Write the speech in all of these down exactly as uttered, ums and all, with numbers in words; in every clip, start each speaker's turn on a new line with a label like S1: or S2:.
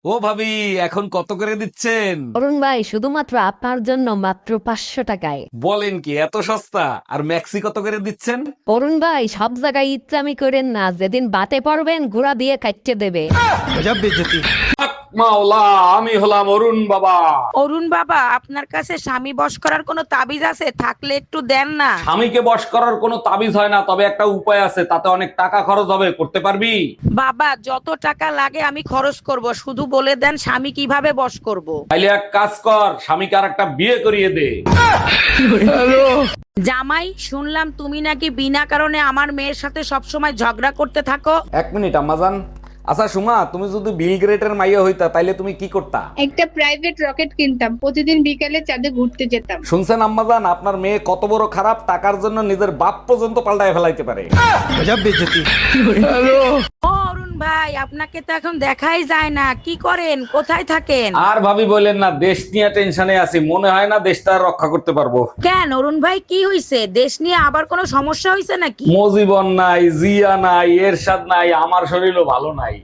S1: ও ভাবি, এখন কত করে দিচ্ছেন?
S2: অরুণ ভাই শুধুমাত্র আপনার জন্য মাত্র পাঁচশো টাকায়।
S1: বলেন কি, এত সস্তা? আর ম্যাক্সি কত করে দিচ্ছেন?
S2: অরুণ ভাই সব জায়গায় ইচ্ছামি করেন না, যেদিন বাতে পড়বেন ঘোড়া দিয়ে কাটতে দেবে।
S1: মাওলা, আমি হলাম অরুণ বাবা।
S3: অরুণ বাবা, আপনার কাছে স্বামী বশ করার কোনো তাবিজ আছে? থাকলে একটু দেন না।
S1: স্বামীকে বশ করার কোনো তাবিজ হয় না, তবে একটা উপায় আছে, তাতে অনেক টাকা খরচ হবে। করতে পারবি?
S3: বাবা, যত টাকা লাগে আমি খরচ করব, শুধু বলে দেন স্বামী কিভাবে বশ করব।
S1: তাইলে এক কাজ কর, স্বামীকে আর একটা বিয়ে করিয়ে দে।
S3: জামাই, শুনলাম তুমি নাকি বিনা কারণে আমার মেয়ের সাথে সবসময় ঝগড়া করতে থাকো।
S1: এক মিনিট আম্মাজান। আচ্ছা সুমা, তুমি যদি বিল গ্রেটের মাইয়া হইতা তাইলে তুমি কি করতা?
S4: একটা প্রাইভেট রকেট কিনতাম, প্রতিদিন বিকালে চাঁদে ঘুরতে যেতাম।
S1: শুনছেন আম্মাজান, আপনার মেয়ে কত বড় খারাপ, টাকার জন্য নিজের বাপ পর্যন্ত পাল্টায় ফেলাইতে পারে।
S3: ও অরুণ ভাই, আপনাকে তো এখন দেখাই যায় না, কি করেন, কোথায় থাকেন?
S1: আর ভাবি বলেন না, দেশ নিয়ে টেনশনে আছি, মনে হয় না দেশটা আর রক্ষা করতে পারবো।
S3: কেন অরুণ ভাই, কি হইছে? দেশ নিয়ে আবার কোনো সমস্যা হইছে নাকি?
S1: মজিবন নাই, জিয়া নাই, এরশাদ নাই, আমার শরীরও ভালো নাই।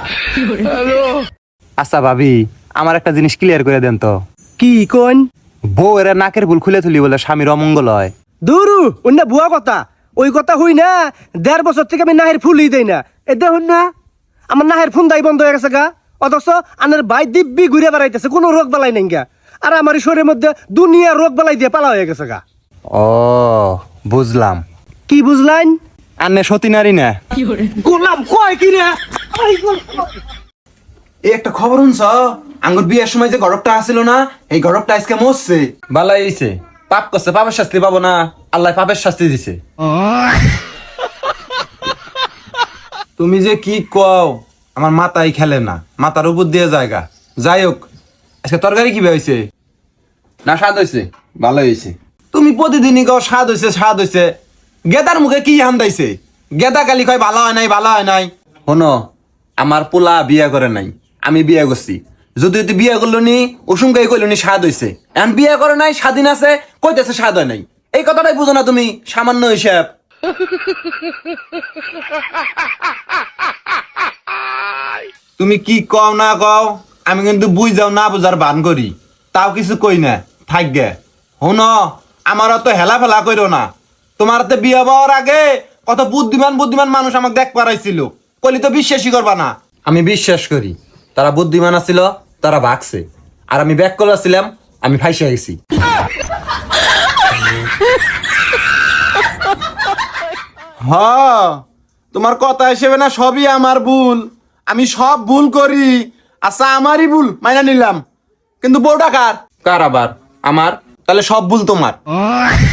S5: আচ্ছা ভাবি, আমার একটা জিনিস ক্লিয়ার করে দেন তো।
S6: কি কোন?
S5: বউ এরা নাকের ভুল খুলে তুলি বলে স্বামীর অমঙ্গল হয়।
S6: দুরু অন্য বুয়া কথা, ওই কথা হই না। দেড় বছর থেকে আমি নাহের ফুলই দেই না। এ দেখুন না, আমার নাহের ফোন দাই বন্ধ হয়ে গেছে গা। অথচ আনের ভাই দিব্যি ঘুরে বেড়াইতেছে, কোনো রোগ বালাই নাই গা। আর আমার এই শরীরের মধ্যে দুনিয়া রোগ বালাই দিয়ে পালা হয়ে গেছে গা।
S5: ও বুঝলাম।
S6: কি বুঝলাইন?
S5: আন্নে সতী নারী না।
S6: গোলাম কয় কি রে?
S7: এই একটা খবর শুনছ? আঙ্গুর বিয়ের সময় যে গরবটা আসিল না, এই গরবটা আজকে মরছে।
S5: বালাই হইছে, পাপ করছে, পাপের শাস্তি পাবো না, আল্লাহ পাপের শাস্তি দিছে।
S7: তুমি যে কি কও, আমার মাথায় খেলে না, মাথার উপর দিয়ে জায়গা। যাই হোক, আজকে তরকারি কি হয়েছে?
S5: না স্বাদ হয়েছে, ভালো হয়েছে।
S7: তুমি প্রতিদিনই কও স্বাদ হয়েছে স্বাদ হয়েছে। গেদার মুখে কি হান্দাইছে? গেদা কালি কয় ভালো হয় নাই ভালো হয় নাই।
S5: শোনো, আমার পোলা বিয়ে করে নাই, আমি বিয়ে করছি। যদি তুই বিয়ে করলো নি, উসুমকাই কইলো নি স্বাদ হয়েছে। এখন বিয়ে করে নাই, স্বাধীন আছে, কইতেছে স্বাদ হয় নাই। এই কথাটাই বুঝো না তুমি, সামান্য হিসাব।
S7: তুমি কি কও না কও, আমি কিন্তু বুঝ যাও না বুঝার বান করি, তাও কিছু কই না। থাক গে। শুন, আমার অত হেলা ফেলা কইরো না। তোমার তো বিয়ে হওয়ার আগে কত বুদ্ধিমান বুদ্ধিমান মানুষ আমাকে দেখ পারাইছিল, কইলি তো বিশ্বাসই করবা না।
S5: আমি বিশ্বাস করি, তারা বুদ্ধিমান আছিল, তারা ভাগছে। আর আমি ব্যাক করেছিলাম, আমি ফাইসা গেছি।
S7: হ, তোমার কথা হিসেবে না সবই আমার ভুল, আমি সব ভুল করি। আচ্ছা আমারই ভুল মাইনা নিলাম, কিন্তু বউটা কার?
S5: কার আবার? আমার।
S7: তাহলে সব ভুল তোমার।